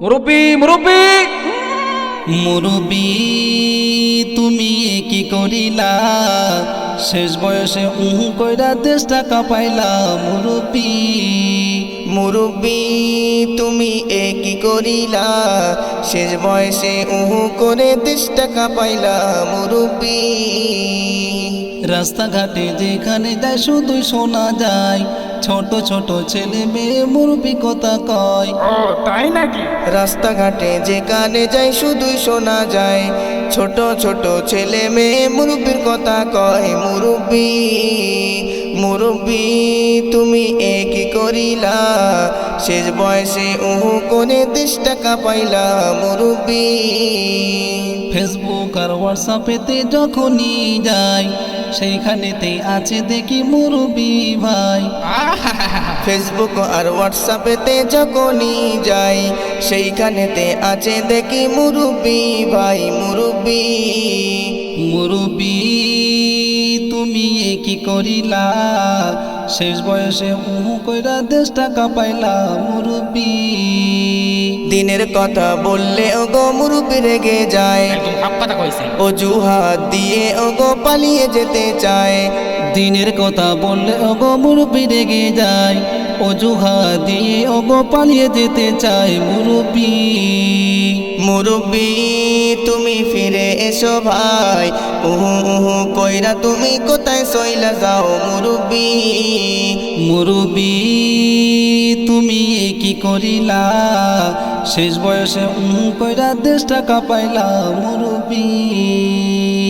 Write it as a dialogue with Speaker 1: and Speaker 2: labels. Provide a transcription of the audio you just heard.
Speaker 1: মুরব্বি মুরব্বি
Speaker 2: মুরব্বি তুমি কি করিলা, শেষ বয়সে কইরা দেশটা কাঁপাইলা। মুরব্বি
Speaker 3: মুরব্বি তুমি কি করিলা, শেষ বয়সে করে দেশটা কাঁপাইলা। মুরব্বি
Speaker 2: রাস্তাঘাটে যেখানে যায় শুধুই শোনা যায়, ছোট ছোট ছেলে মেয়ে মুরব্বি কথা কয়।
Speaker 1: ও তাই নাকি?
Speaker 3: রাস্তাঘাটে যেখানে যাই শুধুই শোনা যায়, ছোট ছোট ছেলে মেয়ে মুরব্বির কথা কয়। মুরব্বি মুরব্বি তুমি কি করিলা, শেষ বয়সে করে দেশটা কাঁপাইলা। মুরব্বি
Speaker 2: ফেসবুক আর হোয়াটসঅ্যাপেতে যখনই যাই, সেইখানেতেই আছে দেখি মুরব্বি ভাই।
Speaker 3: ফেসবুক আর হোয়াটসঅ্যাপেতে যখনই যাই, সেইখানেতে আছে দেখি মুরব্বি ভাই। মুরব্বি
Speaker 2: মুরব্বি তুমি কি করিলা, শেষ বয়সে কইরা দেশটা কাঁপাইলা। মুরব্বি
Speaker 3: দিনের কথা বললে ওগো মুরব্বি রেগে যায়,
Speaker 1: একদম হাফ কথা কইছে।
Speaker 3: অজুহাত দিয়ে ওগো পালিয়ে যেতে চায়।
Speaker 2: দিনের কথা বললে ওগো মুরব্বি রেগে যায়, অজুহাত দিয়ে ওগো পালিয়ে যেতে চায়। মুরব্বি
Speaker 3: মুরব্বি তুমি ফিরে এসো ভাই, কইরা তুমি কোথায় সইলা যাও। মুরব্বি
Speaker 2: মুরব্বি তুমি কি করিলা, শেষ বয়সে কইরা দেশটা কাঁপাইলা। মুরব্বি